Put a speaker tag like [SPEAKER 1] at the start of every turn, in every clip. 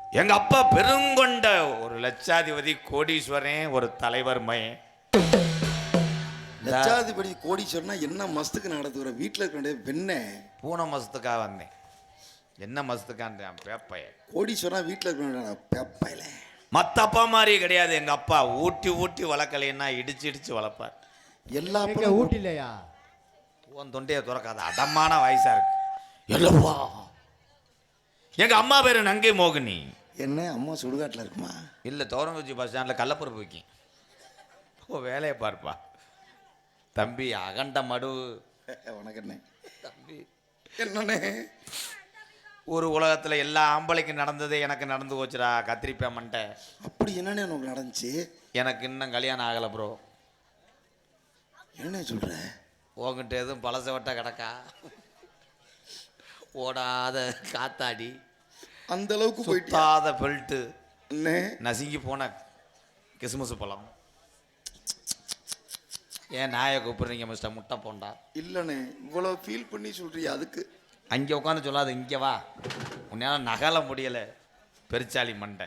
[SPEAKER 1] எங்க அப்பா பெருங்கொண்ட ஒரு லட்சாதிபதி கோடீஸ்வரன், ஒரு தலைவர் மயன்.
[SPEAKER 2] லட்சாதிபதி கோடீஸ்வரனா என்ன மஸ்துக்கு நடத்துகிற வீட்டில் இருக்க பெண்ணே?
[SPEAKER 1] பூனை மசத்துக்காக வந்தேன். என்ன மசத்துக்கான் பேப்பைய.
[SPEAKER 2] கோடீஸ்வரனா வீட்டில் இருக்க பேப்பையில
[SPEAKER 1] மற்ற அப்பா மாதிரி கிடையாது. எங்க அப்பா ஊட்டி ஊட்டி வளர்க்கலைன்னா இடிச்சு இடிச்சு வளர்ப்பார்.
[SPEAKER 2] எல்லா
[SPEAKER 3] ஊட்டிலையா?
[SPEAKER 1] உன் தொண்டையை துறக்காத, அடமான வயசா இருக்கு. எல்லவா எங்க அம்மா பேரு நங்கை மோகினி.
[SPEAKER 2] என்ன அம்மா சுடுகாட்டில் இருக்குமா?
[SPEAKER 1] இல்லை, தோரங்குச்சி பஸ் ஸ்டாண்டில் கள்ளப்பருப்பு வைக்கும். ஓ, வேலையை பார்ப்பா தம்பி. அகண்ட மடு
[SPEAKER 2] உனக்கு என்ன
[SPEAKER 1] தம்பி?
[SPEAKER 2] என்னண்ணே?
[SPEAKER 1] ஒரு உலகத்தில் எல்லா ஆம்பளைக்கும் நடந்ததே எனக்கு நடந்து போச்சுடா. கத்திரிப்பேன் மண்டை.
[SPEAKER 2] அப்படி என்னண்ணே உனக்கு நடந்துச்சு?
[SPEAKER 1] எனக்கு இன்னும் கல்யாணம் ஆகலை ப்ரோ.
[SPEAKER 2] என்ன சொல்ற?
[SPEAKER 1] உங்ககிட்ட எதுவும் பழச வட்ட கிடக்கா? ஓடாத காத்தாடி,
[SPEAKER 2] அந்த அளவுக்கு போயிட்டு
[SPEAKER 1] சுத்தாத பெல்ட்டு,
[SPEAKER 2] அண்ணே
[SPEAKER 1] நசுங்கி போன கிசுமுசு பழம். ஏன் நாயை கூப்பிடுறீங்க மிஸ்டர் முட்டை போண்டா?
[SPEAKER 2] இல்லைண்ணே, இவ்வளோ ஃபீல் பண்ணி சொல்றியா? அதுக்கு
[SPEAKER 1] அங்கே உட்காந்து சொல்லாது, இங்கே வா. உன்னால் நகல முடியலை பெருச்சாளி மண்டை.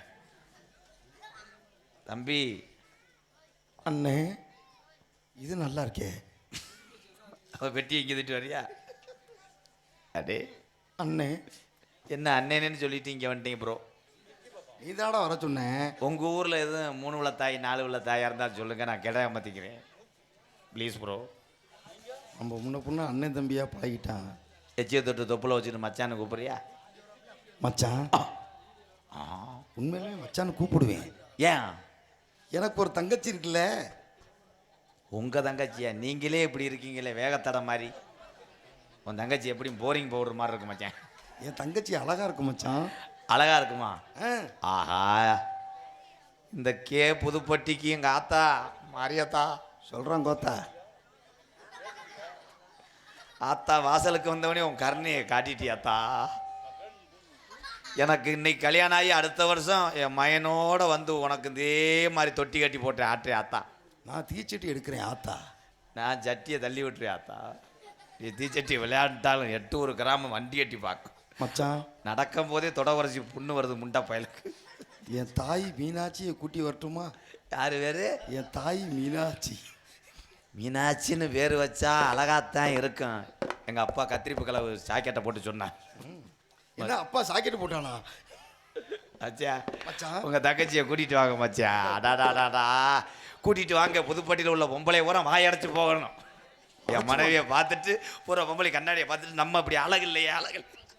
[SPEAKER 1] தம்பி
[SPEAKER 2] அண்ணே இது நல்லா இருக்கே.
[SPEAKER 1] அவள் வெட்டி இங்கே திட்டு வரியா? அடே
[SPEAKER 2] அண்ணே,
[SPEAKER 1] என்ன அண்ணேன்னு சொல்லிட்டு இங்கே வந்துட்டீங்க ப்ரோ.
[SPEAKER 2] நீதாடா வர சொன்னேன்.
[SPEAKER 1] உங்கள் ஊரில் எதுவும் 3 உள்ள தாய் 4 உள்ள தாயாக இருந்தாலும் சொல்லுங்கள், நான் கிட மாற்றிக்கிறேன் ப்ளீஸ் ப்ரோ.
[SPEAKER 2] நம்ம முன்ன பொண்ணு அண்ணன் தம்பியாக பழகிட்டான்.
[SPEAKER 1] எச்சியை தொட்டு தொப்புல வச்சுட்டு மச்சான்னு கூப்பிட்றியா?
[SPEAKER 2] மச்சான் உண்மையிலே மச்சான்னு கூப்பிடுவேன்.
[SPEAKER 1] ஏன்?
[SPEAKER 2] எனக்கு ஒரு தங்கச்சி இருக்குல்ல.
[SPEAKER 1] உங்கள் தங்கச்சியா? நீங்களே இப்படி இருக்கீங்களே வேகத்தடை மாதிரி. உன் தங்கச்சி எப்படி போரிங் பவுடர் மாதிரி இருக்கு மச்சான்.
[SPEAKER 2] என் தங்கச்சி அழகா இருக்கும் மச்சான்.
[SPEAKER 1] அழகா இருக்குமா? ஆஹா, இந்த புதுப்பட்டிக்கு எங்கள் ஆத்தா மாரியாத்தா
[SPEAKER 2] சொல்கிறான் கோத்தா.
[SPEAKER 1] ஆத்தா வாசலுக்கு வந்தவனே உன் கருணையை காட்டிட்டியாத்தா. எனக்கு இன்னைக்கு கல்யாணம் ஆகி அடுத்த வருஷம் என் மயனோட வந்து உனக்கு இதே மாதிரி தொட்டி கட்டி போட்டேன் ஆற்றே ஆத்தா.
[SPEAKER 2] நான் தீச்சட்டி எடுக்கிறேன் ஆத்தா.
[SPEAKER 1] நான் சட்டியை தள்ளி விட்டுறேன் ஆத்தா. நீ தீச்சட்டி விளையாண்டாலும் 8 கிராமம் வண்டி கட்டி பார்க்கும்
[SPEAKER 2] மச்சான்.
[SPEAKER 1] நடக்கும் போதே தொட உரைச்சி புண்ணு வருது முண்டா பயலுக்கு.
[SPEAKER 2] என் தாய் மீனாட்சியை கூட்டி வரட்டுமா?
[SPEAKER 1] யார் வேறு?
[SPEAKER 2] என் தாய் மீனாட்சி.
[SPEAKER 1] மீனாட்சின்னு வேறு வச்சா அழகாத்தான் இருக்கும். எங்கள் அப்பா கத்திரிப்பு கலவு சாக்கெட்டை போட்டு சொன்னான்.
[SPEAKER 2] என்ன அப்பா சாக்கெட்டு போட்டானா?
[SPEAKER 1] மச்சா
[SPEAKER 2] மச்சான்
[SPEAKER 1] உங்கள் தங்கச்சியை கூட்டிகிட்டு வாங்க மச்சா. அடாடாடாடா, கூட்டிகிட்டு வாங்க. புதுப்பட்டியில் உள்ள பொம்பளை பூரா வாயடைச்சு போகணும். என் மனைவியை பார்த்துட்டு பூரா பொம்பளை கண்ணாடியை பார்த்துட்டு நம்ம அப்படி அழகு இல்லையே அழகு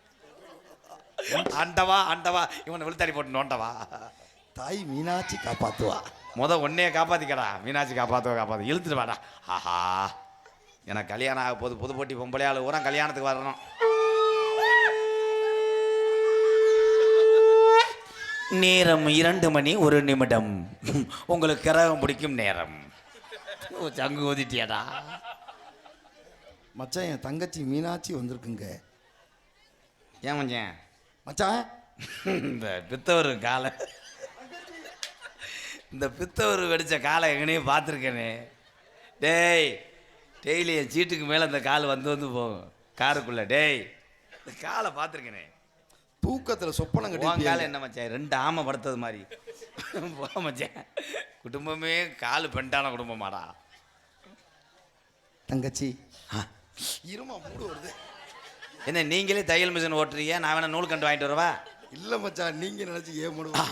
[SPEAKER 1] ஆண்டவா ஆண்டவா இவனை விழுத்தாடி போட்டு நோண்டவா.
[SPEAKER 2] தாய் மீனாட்சி காப்பாத்துவா.
[SPEAKER 1] ஒன்னையே காப்பாற்றிக்கடா. மீனாட்சி காப்பாற்ற இழுத்துட்டு வாடா. ஆஹா, எனக்கு கல்யாணம் ஆக போது. புதுப்பட்டி பொம்பளையாள் பூரா கல்யாணத்துக்கு வரணும். நேரம் 2 மணி 1 நிமிடம். உங்களுக்கு கிரகம் பிடிக்கும் நேரம். சங்கு ஊதிட்டியாடா
[SPEAKER 2] மச்சான். என் தங்கச்சி மீனாட்சி வந்திருக்குங்க.
[SPEAKER 1] ஏன் மச்சான்?
[SPEAKER 2] மச்சான்
[SPEAKER 1] இந்த பித்தவர் காலை, இந்த பித்தவர் வெடித்த காலை எங்கனையும் பார்த்துருக்கேனே. டேய், டெய்லி என் சீட்டுக்கு மேலே இந்த கால் வந்து போகும் காருக்குள்ளே. டேய், இந்த காலை பார்த்துருக்கேனே.
[SPEAKER 2] தூக்கத்தில் சொப்பனம்
[SPEAKER 1] உன்
[SPEAKER 2] கட்டி
[SPEAKER 1] காலை என்ன மச்சான் 2 ஆமை படுத்தது மாதிரி போ மச்சான். குடும்பமே காலு பெண்டான குடும்பமாடா.
[SPEAKER 2] தங்கச்சி இருமா மூடு வருது.
[SPEAKER 1] என்ன நீங்களே தையல் மிஷின் ஓட்டுறீங்க? நான் வேணா நூல் கண்டு வாங்கிட்டு வரவா?
[SPEAKER 2] இல்லை மச்சான், நீங்கள் நினச்சி ஏன் மூடுவா?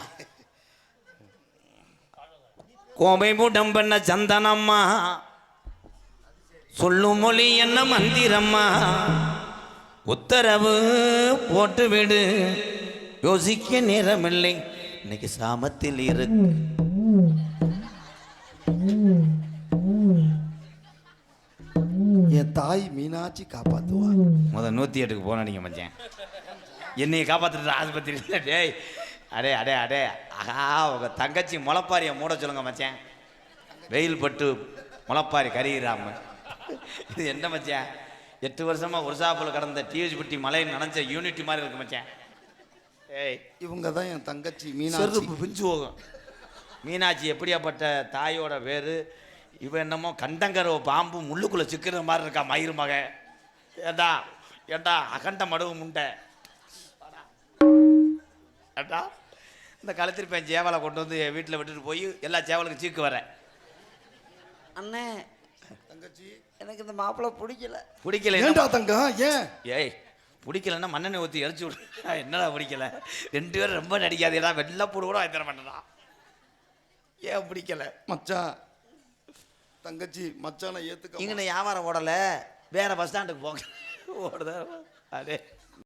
[SPEAKER 1] கோபை மூடம் பண்ண சந்தனம்மா, சொல்லும் மொழி என்ன மந்திரம்மா, உத்தரவு போட்டு விடு, யோசிக்க நேரமில்லை, இன்னைக்கு சாமத்தில் இருக்கு.
[SPEAKER 2] என் தாய் மீனாட்சி காப்பாத்துவா.
[SPEAKER 1] 108க்கு போன நீங்க மச்சான். என்னைய காப்பாத்துட்டு ஆஸ்பத்திரி. டேய், அடே அடே அடே, ஆஹா, உங்க தங்கச்சி முளைப்பாரியை மூட சொல்லுங்க மச்சான். வெயில் பட்டு முளைப்பாரி கரிகிறாம. இது என்ன மச்சான்? 8 வருஷமா ஒருசாப்பில் கடந்த டிவிஜி பட்டி மலையில் நனைஞ்ச யூனிட்டி மாதிரி இருக்கு மச்சான். ஏய்,
[SPEAKER 2] இவங்க தான் என் தங்கச்சி மீனாட்சி.
[SPEAKER 1] செருப்பு பிஞ்சு போகும். மீனாட்சி எப்படியாப்பட்ட தாயோட பேரு? இவன் என்னமோ கண்டங்கரவ பாம்பு முள்ளுக்குள்ளே சிக்கிற மாதிரி இருக்கா மயிறு மக. ஏண்டா ஏண்டா அகண்ட மடுவு முண்டை ஏண்டா இந்த கழுத்திருப்பேன் சேவலை கொண்டு வந்து என் வீட்டில் விட்டுட்டு போய் எல்லா சேவலுக்கும் சீக்கு வரேன். அண்ணே
[SPEAKER 2] தங்கச்சி
[SPEAKER 1] எனக்கு இந்த மாப்பிள்ளை பிடிக்கல.
[SPEAKER 2] ஏன்டா தங்கம் ஏன்?
[SPEAKER 1] ஏய் பிடிக்கலன்னா மண்ணெண்ணெய் ஊற்றி இறச்சி விடு. என்னடா பிடிக்கல? 2 பேரும் ரொம்ப நடிக்காதேடா, வெள்ளை போடு கூட வாங்கி தர மாட்டேடா. ஏன் பிடிக்கல?
[SPEAKER 2] மச்சான் தங்கச்சி மச்சானை ஏத்துக்க
[SPEAKER 1] இங்கே வியாபாரம் ஓடலை, வேற பஸ் ஸ்டாண்டுக்கு போங்க. ஓடுதா? அதே